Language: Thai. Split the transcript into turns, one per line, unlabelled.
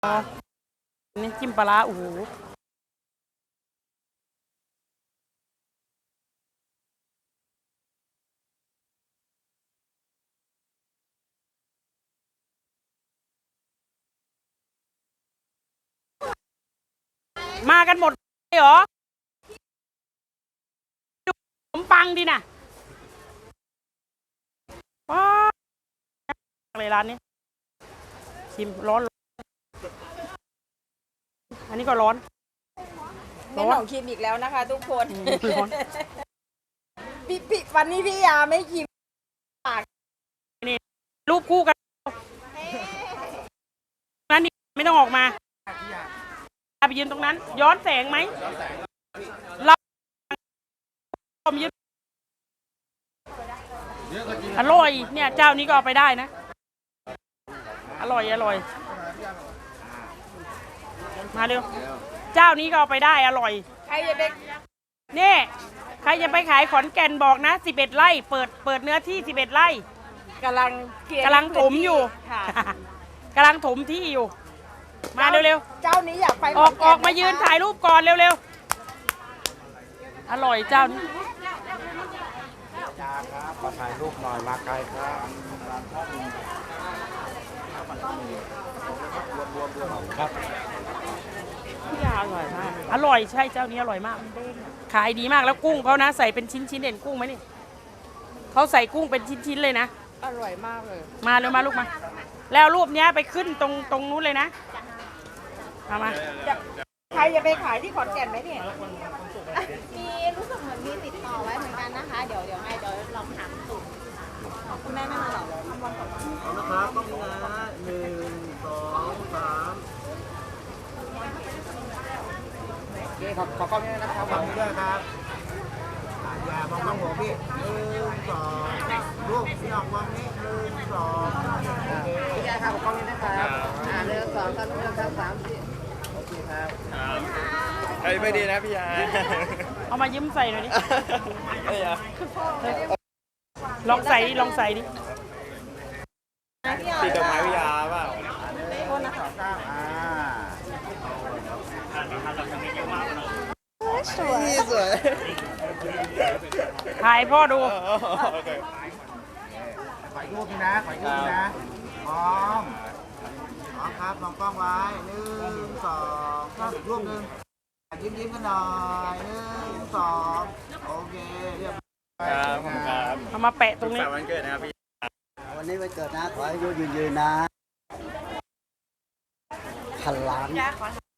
นี่จิ้มปลาร้าโอ้โหมากันหมดเลยเหรอดูขนมปังดิน่ะว้าเลยร้านนี้ชิมร้อนอันนี้ก็ร้อน
แม่หน่องชิมอีกแล้วนะคะทุกคน
ร้อน
พี่วันนี้พี่ยาไม่ชิม
นี่รูปคู่กันนั่นนี่ไม่ต้องออกมาไปยืนตรงนั้น ย้อนแสงไหมเรายืนอร่อยเนี่ยเจ้านี้ก็เอาไปได้นะอร่อยมาเร็วเจ้านี้ก็เอาไปได้อร่อย
ใครจะไป
นี่ใครจะไปขายขอนแก่นบอกนะ11 ไร่เปิดเนื้อที่11 ไร่
กำลัง
ถมอยู่กำลังถมที่อยู่มาเร็ว
ๆเจ้านี้อยากไป
ออกมายืนถ่ายรูปก่อนเร็วๆอร่อยเจ้านี้
จ้าครับมาถ่ายรูปหน่อยมาไกลครับครับ
พี่ยาอร่อยมากอร่อยใช่เจ้านี้อร่อยมากขายดีมากแล้วกุ้งเขานะใส่เป็นชิ้นเด่นกุ้งไหมนี่เขาใส่กุ้งเป็นชิ้นเลยนะ
อร่อยมากเลย
มาเร็วมาลูกมาแล้วรูปนี้ไปขึ้นตรงนู้นเลยนะมา
ใครจะไปขายที่ขอนแก่นไหมเนี่ย
มีรู้สึกเหมือนมีติดต่อไว้เหมือนกันนะคะเดี๋ยวลองถามสูตรคุณแม่ไม่มาหรอกทำวันก่อน
นะครับต้องนะ1 2 3โอเคขอกล้องนี้นะครับขอบคุณด้วยครับอย่ามองน้องผมพี่1 2รูปพี่ออกมองนี้1 2โอเคพี่ยาครับขอกล้องนี้นะครับ1 2 3 1 2 3โอเคครับเฮ้ยไม่ดีนะพี่ยา
เอามายิ้มใส่หน่อยดิลองใส่ดิ
ตีดอกไม้พี่ยาเปล่าสวย
ถ่ายพ่อดู
ขอรูปนะพร้อมครับมองกล้องไว้1 2 3รูปหนึ่งยิ้มกันหน่อย1 2โอเคเรียบร้อยครับ
เอามาแปะตรงนี้
วันเกิดนะครับพี่วันนี้วันเกิดนะขอให้ยืนนะ1,000 ล้าน